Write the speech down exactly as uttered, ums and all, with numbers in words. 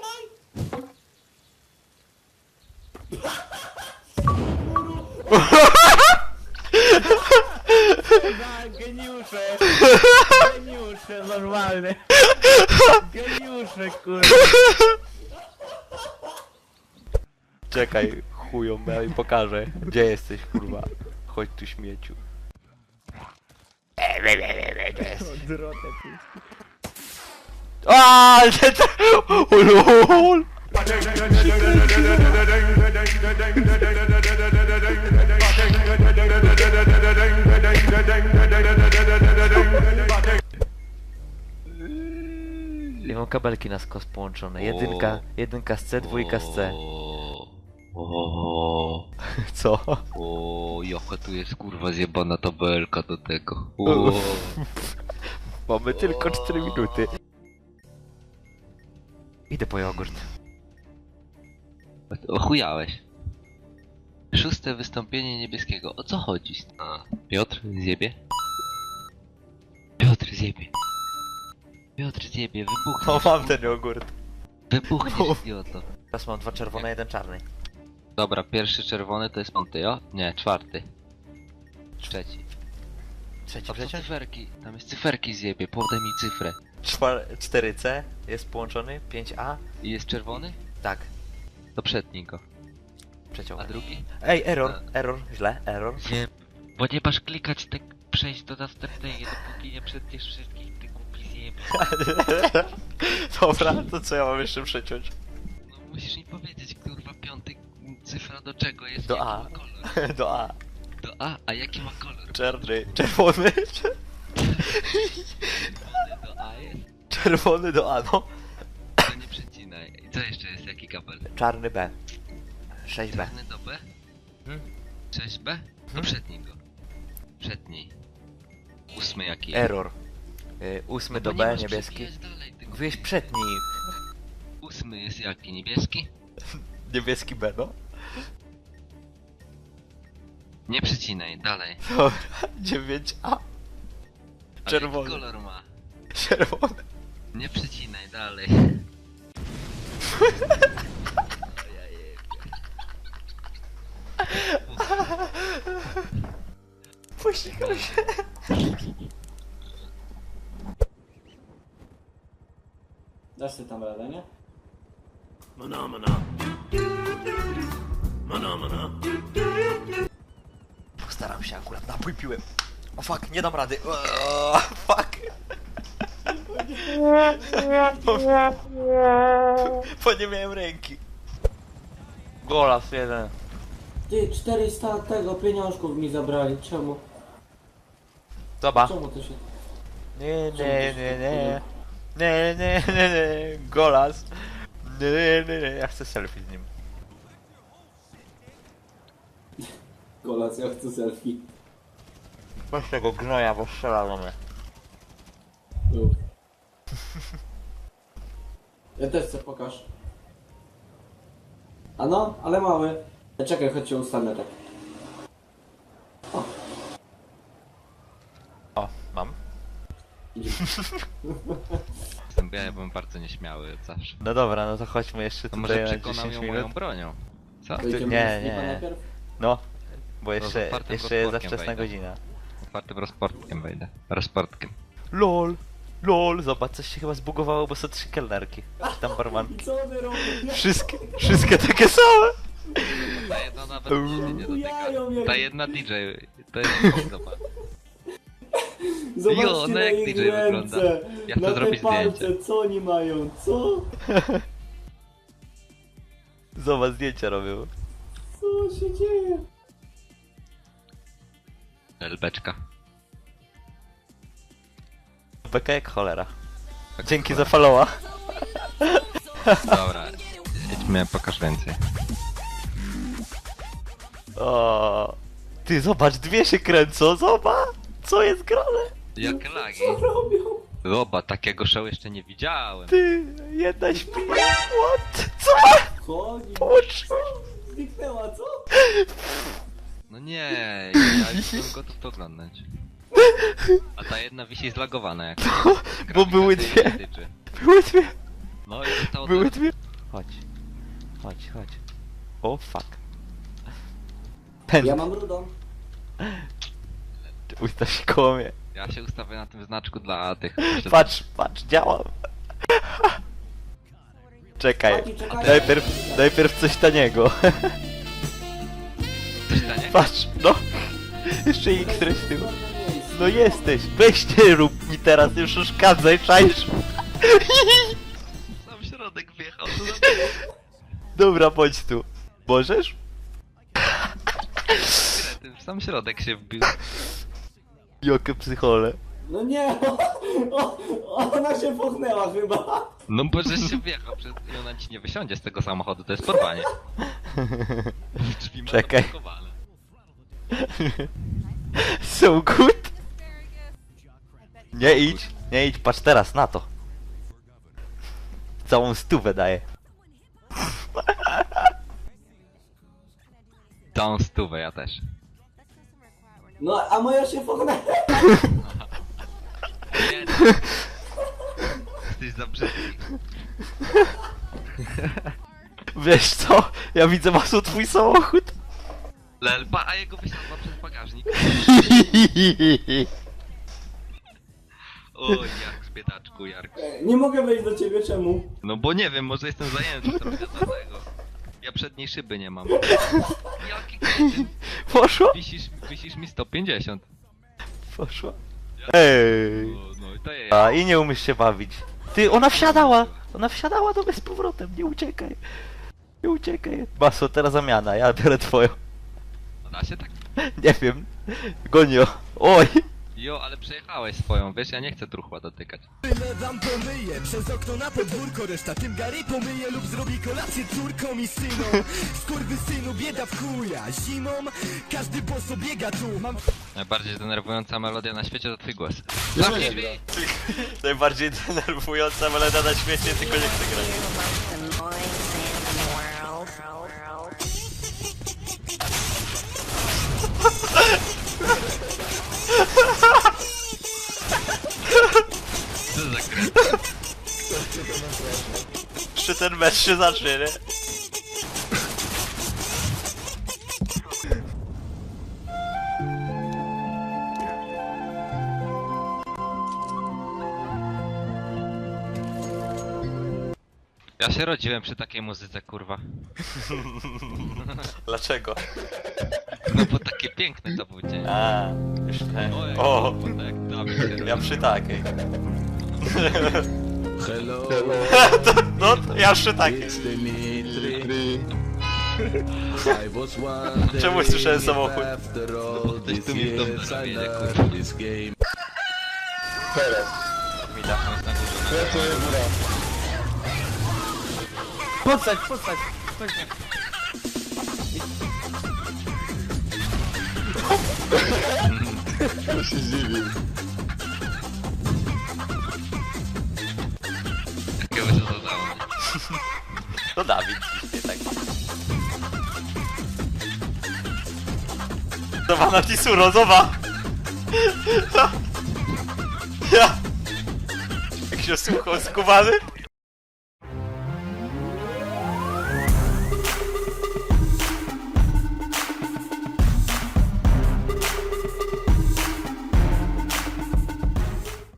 Geniusze! Geniusze, normalne! Geniusze, kurwa! Czekaj, chują, ja im pokażę. Gdzie jesteś, kurwa? Chodź tu, śmieciu. Drotę tu. Aaaa, ale to... Ulul! I mam kabelki na skos połączone. Jedynka, jedynka z C, dwójka z C. O, Co? o, jaka tu jest kurwa zjebana tabelka do tego. O, Mamy tylko cztery minuty. Idę po jogurt. ochujałeś. Szóste wystąpienie niebieskiego. O co chodzi? A, Piotr zjebie? Piotr zjebie. Piotr zjebie, wybuchnie. O, mam ten jogurt. Wybuchniesz, idioto. Teraz mam dwa czerwone, jeden czarny. Dobra, pierwszy czerwony to jest piąty, o? Nie, czwarty. Trzeci. Trzeci A co przeciąg? cyferki? Tam jest cyferki zjebie, podaj mi cyfrę. cztery C jest połączony, pięć A. I jest czerwony? Tak, To przetnij go. przeciąg. A drugi? Ej, error, error, źle, error. Nie, bo nie masz klikać tak przejść do następnej, dopóki nie przetniesz wszystkich, ty głupi zjebie. Dobra, to co ja mam jeszcze przeciąć? No musisz mi powiedzieć, kurwa, piąty cyfra do czego jest, Do jaki A. ma kolor. Do A. Do A, a jaki ma kolor? Czarny, czerwony. Do A jest? Czerwony do A, no. To nie przecinaj. I co jeszcze jest, jaki kabel? Czarny B. sześć B. Czarny do B? Hmm? sześć B? To Hmm? przetnij go. Przetnij. Ósmy jaki jest? Error. Y, ósmy No do bo B, B, niebieski. Wieś przedni. Ósmy jest jaki? Niebieski? Niebieski B, no. Nie przecinaj, dalej. Dobra, dziewięć A. A Czerwony. jaki kolor ma? Czerwony. Nie przecinaj, dalej. Pościgał się. Dasz ty tam radę, nie? Postaram się akurat, napój piłem. O fuck, nie dam rady. O, fuck. Bo nie miałem ręki. Golas jeden. Ty, czterysta tego pieniążków mi zabrali, czemu? Zobacz. Czemu to się... Nie, nie, nie, nie. Nie, nie, nie, nie. Golas. Nie, nie, nie, nie. Ja chcę selfie z nim. Golas, ja chcę selfie. Weź tego gnoja, bo strzela do mnie. Uf. Ja też chcę, pokaż. A no, ale mały. Ja czekaj, chodź się ustanę tak. O, O, mam. idzie. Jestem, ja byłem bardzo nieśmiały od zawsze. No dobra, no to chodźmy jeszcze To tutaj może na przekonał dziesięć ją minut. moją bronią. Co? To idziemy nie, do sklepa nie. najpierw? No, bo z jeszcze, otwartym jeszcze jest za rozporkiem wczesna wejdę. godzina. Otwartym rozportkiem wejdę. Rozportkiem. LOL, LOL, zobacz, coś się chyba zbugowało, bo są trzy kelnerki. Czy tam barman. I co one robią? Wszystkie, wszystkie takie same. Ta jedna nawet się nie Bujają dotyka. jak- Ta jedna D J, to jest zobacz. Zobaczcie Jo, no na jak ich D J wygląda. ręce, Ja chcę na te zrobić palce, zdjęcie. co oni mają, co? Zobacz, zdjęcia robią. Co się dzieje? Elbeczka. Beka jak cholera. Tak Dzięki cholera. za followa. Dobra, idźmy, pokaż więcej. O, ty zobacz, dwie się kręcą, zobacz. Co jest grane? Jakie lagi. Co robią? Zobacz, takiego show jeszcze nie widziałem. Ty, jedna śpi. What? Co? Chodzi. Połączyłeś? Zniknęła, co? No nie, ja jestem gotów to oglądać. A ta jedna wisi zlagowana jak. Bo były grawitacja jej dwie. nie tyczy. Były dwie. No i zostało Były teraz dwie. Chodź. Chodź, chodź. O, fuck. Pęd. Ja mam rudą. Ustaw się koło mnie. Ja się ustawię na tym znaczku dla tych... Patrz, patrz, działam. Czekaj. Chłopaki, czekajcie. Najpierw, najpierw coś taniego. Coś tanie? Patrz, no. Jeszcze i któreś z tym. No jesteś. Weź nie rób mi teraz, nie przeszkadzaj, czaisz? Sam środek wjechał, to za... Dobra, bądź tu. Możesz? Ty w sam środek się wbił. Jokie psychole. No nie, o, o, ona się pochnęła chyba. No bo żeś się wjechał przez... i ona ci nie wysiądzie z tego samochodu, to jest porwanie. Drzwi ma Czekaj. zablokowane. So good. Nie idź, nie idź, patrz teraz na to. Całą stówę daję. Tą stówę ja też. No, a moja się pochnęła. Nie, jesteś za brzydki. Wiesz co? Ja widzę masu twój samochód. Lelpa, a jego wysiadła przez bagażnik. Oj, Jark, biedaczku, Jark. Nie mogę wejść do ciebie, czemu? No bo nie wiem, może jestem zajęty trochę dlatego. Ja przedniej szyby nie mam. Jaki kretyn. Poszło? Wisisz, wisisz mi sto pięćdziesiąt. Poszło. Ej. O, no i to jest. A i nie umiesz się bawić. Ty, ona wsiadała! Ona wsiadała do mnie z powrotem, nie uciekaj. Nie uciekaj. Maso, teraz zamiana, ja biorę twoją. Da się tak? Nie wiem. Gonio. Oj. Jo, ale przejechałeś swoją, wiesz, ja nie chcę truchła dotykać. Tyle wam pomyję, przez okno na podwórko, reszta tym Gary pomyje lub zrobi kolację córkom i synom. Skurwy synu, bieda w chuja, zimą każdy boso biega tu. Mam Najbardziej denerwująca melodia na świecie to twój głos. Zamknij drzwi. Najbardziej denerwująca melodia na świecie, tylko nie chcę grać. Co za kret? Jeszcze ten mecz się zacznie, nie? Ja się rodziłem przy takiej muzyce, kurwa. Dlaczego? No bo takie piękne to był dzień. A, już ten. Ojej, O, kurwa, tak, Dawid się ja rodził. przy takiej. hello, No, ja przy takiej. it's Dimitri. I was wondering Czemu słyszałem if samochód? after all Ktoś these tu mi w domu years I nawiedzie, learned kurwa. this game. Mida. On jest na górze, na Podstać, podstać. Jakiego się dodało. To Dawid, nie tak. Zobacz na Tisuro, zobacz! Ja! Jak się słuchał skubany?